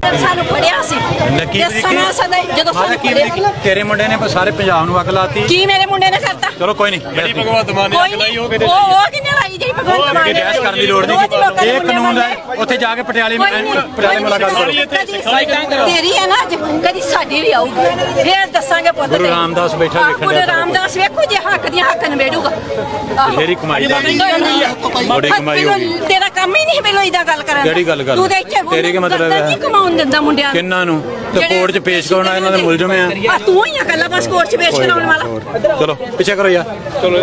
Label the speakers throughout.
Speaker 1: ਸਾਨੂੰ ਫੜਿਆ ਸੀ ਸਮਾਂ ਸਦਾ ਜਦੋਂ ਸਾਨੂੰ ਫੜਿਆ
Speaker 2: ਤੇਰੇ ਮੁੰਡੇ ਨੇ ਸਾਰੇ ਪੰਜਾਬ ਨੂੰ ਅੱਗ ਲਾਤੀ।
Speaker 1: ਕੀ ਮੇਰੇ ਮੁੰਡੇ ਨੇ ਕਰਤਾ?
Speaker 2: ਚਲੋ ਕੋਈ ਨਹੀਂ,
Speaker 3: ਜਿਹੜੀ ਭਗਵੰਤ ਮਾਨ ਨੇ ਅੱਗ ਲਾਈ ਉਹ ਕਿਤੇ
Speaker 1: ਉਹ ਕਿੰਨੇ ਲਾਈ ਜੀ ਭਗਵੰਤ ਮਾਨ ਨੇ?
Speaker 2: ਬਹਿਸ ਕਰਨ ਦੀ ਲੋੜ ਨਹੀਂ, ਇਹ ਕਾਨੂੰਨ ਹੈ। ਉੱਥੇ ਜਾ ਕੇ ਪਟਿਆਲੇ ਮੁਲਾਕਾਤ ਕਰੋ।
Speaker 1: ਤੇਰੀ ਹੈ ਨਾ ਅੱਜ, ਕਦੀ ਸਾਡੀ ਵੀ ਆਊਗੀ, ਫੇਰ ਦੱਸਾਂਗੇ ਪੁੱਤ।
Speaker 2: ਗੁਰੂ ਰਾਮਦਾਸ ਬੈਠਾ ਵੇਖਣ
Speaker 1: ਗੁਰੂ ਰਾਮਦਾਸ ਵੇਖੋ ਜੇ ਹੱਕ ਦੀਆਂ ਹੱਕ ਨਵੇੜੂਗਾ।
Speaker 2: ਤੇਰੀ ਕਮਾਈ ਦਾ ਬੜੀ ਕਮਾਈ ਹੋਗੀ।
Speaker 1: ਤੇਰਾ ਕੰਮ ਹੀ ਨਹੀਂ ਮੈਨੂੰ ਇਦਾਂ ਗੱਲ ਕਰਨ ਦਾ।
Speaker 2: ਕਿਹੜੀ ਗੱਲ
Speaker 1: ਤੂੰ ਦੇਖ
Speaker 2: ਤੇਰੇ ਕੀ ਮਤਲਬ ਹੈ?
Speaker 1: ਨਹੀਂ ਕਮਾਉਣ ਦਿੰਦਾ ਮੁੰਡਿਆਂ ਨੂੰ।
Speaker 2: ਕਿੰਨਾਂ ਨੂੰ ਤੇ ਕੋਰਟ 'ਚ ਪੇਸ਼ ਕਰਾਉਣਾ, ਇਹਨਾਂ ਦੇ ਮੁਲਜ਼ਮ ਆ।
Speaker 1: ਤੂੰ ਹੀ ਆ ਕੱਲਾ ਬਸ ਕੋਰਟ 'ਚ ਪੇਸ਼ ਕਰਾਉਣ ਵਾਲਾ।
Speaker 2: ਚਲੋ ਪਿੱਛੇ ਕਰੋ ਯਾਰ। ਚਲੋ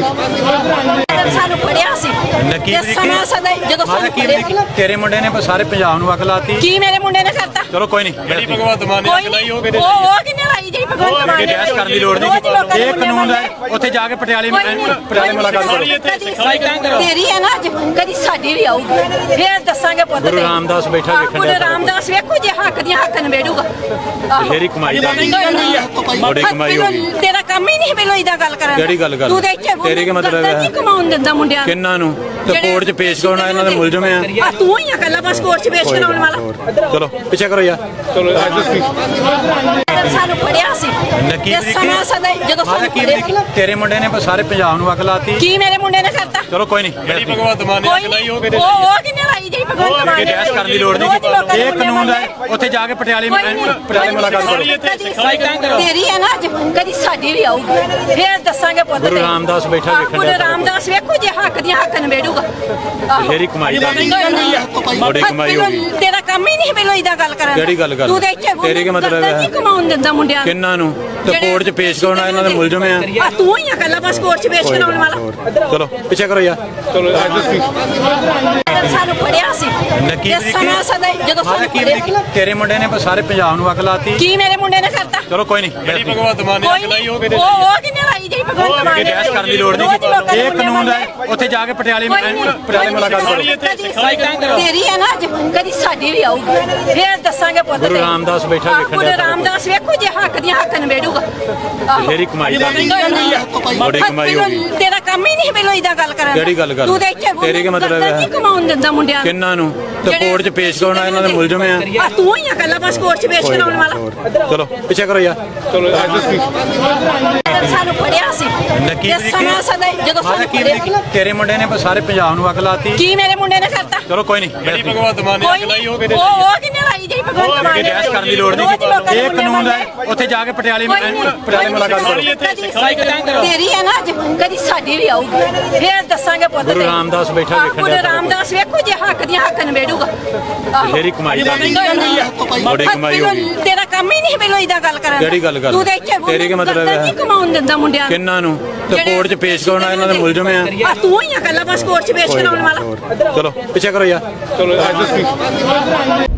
Speaker 1: ਸਾਨੂੰ ਫੜਿਆ ਸੀ ਸਮਾਂ ਸਦਾ ਜਦੋਂ ਸਾਨੂੰ ਫੜਿਆ।
Speaker 2: ਤੇਰੇ ਮੁੰਡੇ ਨੇ ਸਾਰੇ ਪੰਜਾਬ ਨੂੰ ਅੱਗ ਲਾਤੀ।
Speaker 1: ਕੀ ਮੇਰੇ ਮੁੰਡੇ ਨੇ ਕਰਤਾ?
Speaker 2: ਚਲੋ ਕੋਈ ਨਹੀਂ,
Speaker 3: ਜਿਹੜੀ ਭਗਵੰਤ ਮਾਨ ਨੇ ਅੱਗ ਲਾਈ ਉਹ ਕਿਤੇ
Speaker 1: ਉਹ ਕਿੰਨੇ ਲਾਈ ਜੀ ਭਗਵੰਤ ਮਾਨ ਨੇ?
Speaker 2: ਬਹਿਸ ਕਰਨ ਦੀ ਲੋੜ ਨਹੀਂ, ਇਹ ਕਾਨੂੰਨ ਹੈ। ਉੱਥੇ ਜਾ ਕੇ ਪਟਿਆਲੇ ਮੁਲਾਕਾਤ ਕਰੋ।
Speaker 1: ਤੇਰੀ ਹੈ ਨਾ ਅੱਜ, ਕਦੀ ਸਾਡੀ ਵੀ ਆਊਗੀ, ਫੇਰ ਦੱਸਾਂਗੇ ਪੁੱਤ।
Speaker 2: ਗੁਰੂ ਰਾਮਦਾਸ ਬੈਠਾ ਵੇਖਣ
Speaker 1: ਗੁਰੂ ਰਾਮਦਾਸ ਵੇਖੋ ਜੇ ਹੱਕ ਦੀਆਂ ਹੱਕ ਨਵੇੜੂਗਾ।
Speaker 2: ਤੇਰੀ ਕਮਾਈ ਦਾ ਬੜੀ ਕਮਾਈ ਹੋਗੀ।
Speaker 1: ਤੇਰਾ ਕੰਮ ਹੀ ਨਹੀਂ ਮੈਨੂੰ ਇਦਾਂ ਗੱਲ ਕਰਨ ਦਾ।
Speaker 2: ਕਿਹੜੀ ਗੱਲ
Speaker 1: ਤੂੰ ਦੇਖ
Speaker 2: ਤੇਰੇ ਕੀ ਮਤਲਬ ਹੈ?
Speaker 1: ਨਹੀਂ ਕਮਾਉਣ ਦਿੰਦਾ ਮੁੰਡਿਆਂ ਨੂੰ।
Speaker 2: ਕਿੰਨਾਂ ਨੂੰ ਤੇ ਕੋਰਟ 'ਚ ਪੇਸ਼ ਕਰਾਉਣਾ, ਇਹਨਾਂ ਦੇ ਮੁਲਜ਼ਮ ਆ।
Speaker 1: ਤੂੰ ਹੀ ਆ ਕੱਲਾ ਬਸ ਕੋਰਟ 'ਚ ਪੇਸ਼ ਕਰਾਉਣ ਵਾਲਾ।
Speaker 2: ਚਲੋ ਪਿੱਛੇ ਕਰੋ ਯਾਰ। ਚਲੋ
Speaker 1: ਸਾਨੂੰ ਫੜਿਆ ਸੀ ਸਮਾਂ ਸਦਾ ਜਦੋਂ ਸਾਨੂੰ ਫੜਿਆ।
Speaker 2: ਤੇਰੇ ਮੁੰਡੇ ਨੇ ਸਾਰੇ ਪੰਜਾਬ ਨੂੰ ਅੱਗ ਲਾਤੀ।
Speaker 1: ਕੀ ਮੇਰੇ ਮੁੰਡੇ ਨੇ ਕਰਤਾ?
Speaker 2: ਚਲੋ ਕੋਈ ਨਹੀਂ,
Speaker 3: ਜਿਹੜੀ ਭਗਵੰਤ ਮਾਨ ਨੇ ਅੱਗ ਲਾਈ ਉਹ ਕਿਤੇ
Speaker 1: ਉਹ ਕਿੰਨੇ ਲਾਈ ਜੀ ਭਗਵੰਤ ਮਾਨ ਨੇ?
Speaker 2: ਬਹਿਸ ਕਰਨ ਦੀ ਲੋੜ ਨਹੀਂ, ਇਹ ਕਾਨੂੰਨ ਹੈ। ਉੱਥੇ ਜਾ ਕੇ ਪਟਿਆਲੇ ਮੁਲਾਕਾਤ ਕਰੋ।
Speaker 1: ਤੇਰੀ ਹੈ ਨਾ ਅੱਜ, ਕਦੀ ਸਾਡੀ ਵੀ ਆਊਗੀ, ਫੇਰ ਦੱਸਾਂਗੇ ਪੁੱਤ।
Speaker 2: ਗੁਰੂ ਰਾਮਦਾਸ ਬੈਠਾ ਵੇਖਣ
Speaker 1: ਗੁਰੂ ਰਾਮਦਾਸ ਵੇਖੋ ਜੇ ਹੱਕ ਦੀਆਂ ਹੱਕ ਨਵੇੜੂਗਾ।
Speaker 2: ਤੇਰੀ ਕਮਾਈ ਦਾ ਬੜੀ ਕਮਾਈ ਹੋਗੀ।
Speaker 1: ਤੇਰਾ ਕੰਮ ਹੀ ਨਹੀਂ ਮੈਨੂੰ ਇਦਾਂ ਗੱਲ ਕਰਨ ਦਾ।
Speaker 2: ਕਿਹੜੀ ਗੱਲ
Speaker 1: ਤੂੰ ਦੇਖ
Speaker 2: ਤੇਰੇ ਕੀ ਮਤਲਬ ਹੈ?
Speaker 1: ਨਹੀਂ ਕਮਾਉਣ ਦਿੰਦਾ ਮੁੰਡਿਆਂ ਨੂੰ।
Speaker 2: ਕਿੰਨਾਂ ਨੂੰ ਤੇ ਕੋਰਟ 'ਚ ਪੇਸ਼ ਕਰਾਉਣਾ, ਇਹਨਾਂ ਦੇ ਮੁਲਜ਼ਮ ਆ।
Speaker 1: ਤੂੰ ਹੀ ਆ ਕੱਲਾ ਬਸ ਕੋਰਟ 'ਚ ਪੇਸ਼ ਕਰਾਉਣ ਵਾਲਾ।
Speaker 2: ਚਲੋ ਪਿੱਛੇ ਕਰੋ ਯਾਰ। ਚਲੋ
Speaker 1: ਸਾਨੂੰ ਫੜਿਆ ਸੀ ਸਮਾਂ ਸਦਾ ਜਦੋਂ ਸਾਨੂੰ ਫੜਿਆ।
Speaker 2: ਤੇਰੇ ਮੁੰਡੇ ਨੇ ਸਾਰੇ ਪੰਜਾਬ ਨੂੰ ਅੱਗ ਲਾਤੀ।
Speaker 1: ਕੀ ਮੇਰੇ ਮੁੰਡੇ ਨੇ ਕਰਤਾ?
Speaker 2: ਚਲੋ ਕੋਈ ਨਹੀਂ,
Speaker 3: ਜਿਹੜੀ ਭਗਵੰਤ ਮਾਨ ਨੇ ਅੱਗ ਲਾਈ ਉਹ ਕਿਤੇ
Speaker 1: ਉਹ ਕਿੰਨੇ ਲਾਈ ਜੀ ਭਗਵੰਤ ਮਾਨ ਨੇ?
Speaker 2: ਬਹਿਸ ਕਰਨ ਦੀ ਲੋੜ ਨਹੀਂ, ਇਹ ਕਾਨੂੰਨ ਹੈ। ਉੱਥੇ ਜਾ ਕੇ ਪਟਿਆਲੇ ਮੁਲਾਕਾਤ ਕਰੋ।
Speaker 1: ਤੇਰੀ ਹੈ ਨਾ ਅੱਜ, ਕਦੀ ਸਾਡੀ ਵੀ ਆਊਗੀ, ਫੇਰ ਦੱਸਾਂਗੇ ਪੁੱਤ।
Speaker 2: ਗੁਰੂ ਰਾਮਦਾਸ ਬੈਠਾ ਵੇਖਣ
Speaker 1: ਗੁਰੂ ਰਾਮਦਾਸ ਵੇਖੋ ਜੇ ਹੱਕ ਦੀਆਂ ਹੱਕ ਨਵੇੜੂਗਾ।
Speaker 2: ਤੇਰੀ ਕਮਾਈ ਦਾ ਬੜੀ ਕਮਾਈ ਹੋਗੀ।
Speaker 1: ਤੇਰਾ ਕੰਮ ਹੀ ਨਹੀਂ ਮੈਨੂੰ ਇਦਾਂ ਗੱਲ ਕਰਨ ਦਾ।
Speaker 2: ਕਿਹੜੀ ਗੱਲ
Speaker 1: ਤੂੰ ਦੇਖ
Speaker 2: ਤੇਰੇ ਕੀ ਮਤਲਬ ਹੈ?
Speaker 1: ਨਹੀਂ ਕਮਾਉਣ ਦਿੰਦਾ ਮੁੰਡਿਆਂ ਨੂੰ।
Speaker 2: ਕਿੰਨਾਂ ਨੂੰ ਤੇ ਕੋਰਟ 'ਚ ਪੇਸ਼ ਕਰਾਉਣਾ, ਇਹਨਾਂ ਦੇ ਮੁਲਜ਼ਮ ਆ।
Speaker 1: ਤੂੰ ਹੀ ਆ ਕੱਲਾ ਬਸ ਕੋਰਟ 'ਚ ਪੇਸ਼ ਕਰਾਉਣ ਵਾਲਾ।
Speaker 2: ਚਲੋ ਪਿੱਛੇ ਕਰੋ ਯਾਰ। ਚਲੋ
Speaker 1: ਸਾਨੂੰ ਫੜਿਆ ਸੀ ਸਮਾਂ ਸਦਾ ਜਦੋਂ ਸਾਨੂੰ ਫੜਿਆ।
Speaker 2: ਤੇਰੇ ਮੁੰਡੇ ਨੇ ਸਾਰੇ ਪੰਜਾਬ ਨੂੰ ਅੱਗ ਲਾਤੀ।
Speaker 1: ਕੀ ਮੇਰੇ ਮੁੰਡੇ ਨੇ ਕਰਤਾ?
Speaker 2: ਚਲੋ ਕੋਈ ਨਹੀਂ,
Speaker 3: ਜਿਹੜੀ ਭਗਵੰਤ ਮਾਨ ਨੇ ਅੱਗ ਲਾਈ ਉਹ ਕਿਤੇ
Speaker 1: ਉਹ ਕਿੰਨੇ ਲਾਈ ਜੀ ਭਗਵੰਤ ਮਾਨ ਨੇ?
Speaker 2: ਬਹਿਸ ਕਰਨ ਦੀ ਲੋੜ ਨਹੀਂ, ਇਹ ਕਾਨੂੰਨ ਹੈ। ਉੱਥੇ ਜਾ ਕੇ ਪਟਿਆਲੇ ਮੁਲਾਕਾਤ ਕਰੋ।
Speaker 1: ਤੇਰੀ ਹੈ ਨਾ ਅੱਜ, ਕਦੀ ਸਾਡੀ ਵੀ ਆਊਗੀ, ਫੇਰ ਦੱਸਾਂਗੇ ਪੁੱਤ।
Speaker 2: ਗੁਰੂ ਰਾਮਦਾਸ ਬੈਠਾ ਵੇਖਣ
Speaker 1: ਗੁਰੂ ਰਾਮਦਾਸ ਵੇਖੋ ਜੇ ਹੱਕ ਦੀਆਂ ਹੱਕ ਨਵੇੜੂਗਾ।
Speaker 2: ਤੇਰੀ ਕਮਾਈ ਦਾ ਬੜੀ ਕਮਾਈ ਹੋਗੀ।
Speaker 1: ਤੇਰਾ ਕੰਮ ਹੀ ਨਹੀਂ ਮੈਨੂੰ ਇਦਾਂ ਗੱਲ ਕਰਨ ਦਾ।
Speaker 2: ਕਿਹੜੀ ਗੱਲ
Speaker 1: ਤੂੰ ਦੇਖ
Speaker 2: ਤੇਰੇ ਕੀ ਮਤਲਬ ਹੈ?
Speaker 1: ਨਹੀਂ ਕਮਾਉਣ ਦਿੰਦਾ ਮੁੰਡਿਆਂ ਨੂੰ।
Speaker 2: ਕਿੰਨਾਂ ਨੂੰ ਤੇ ਕੋਰਟ 'ਚ ਪੇਸ਼ ਕਰਾਉਣਾ, ਇਹਨਾਂ ਦੇ ਮੁਲਜ਼ਮ ਆ।
Speaker 1: ਤੂੰ ਹੀ ਆ ਕੱਲਾ ਬਸ ਕੋਰਟ 'ਚ ਪੇਸ਼ ਕਰਾਉਣ ਵਾਲਾ।
Speaker 2: ਚਲੋ ਪਿੱਛੇ ਕਰੋ ਯਾਰ। ਚਲੋ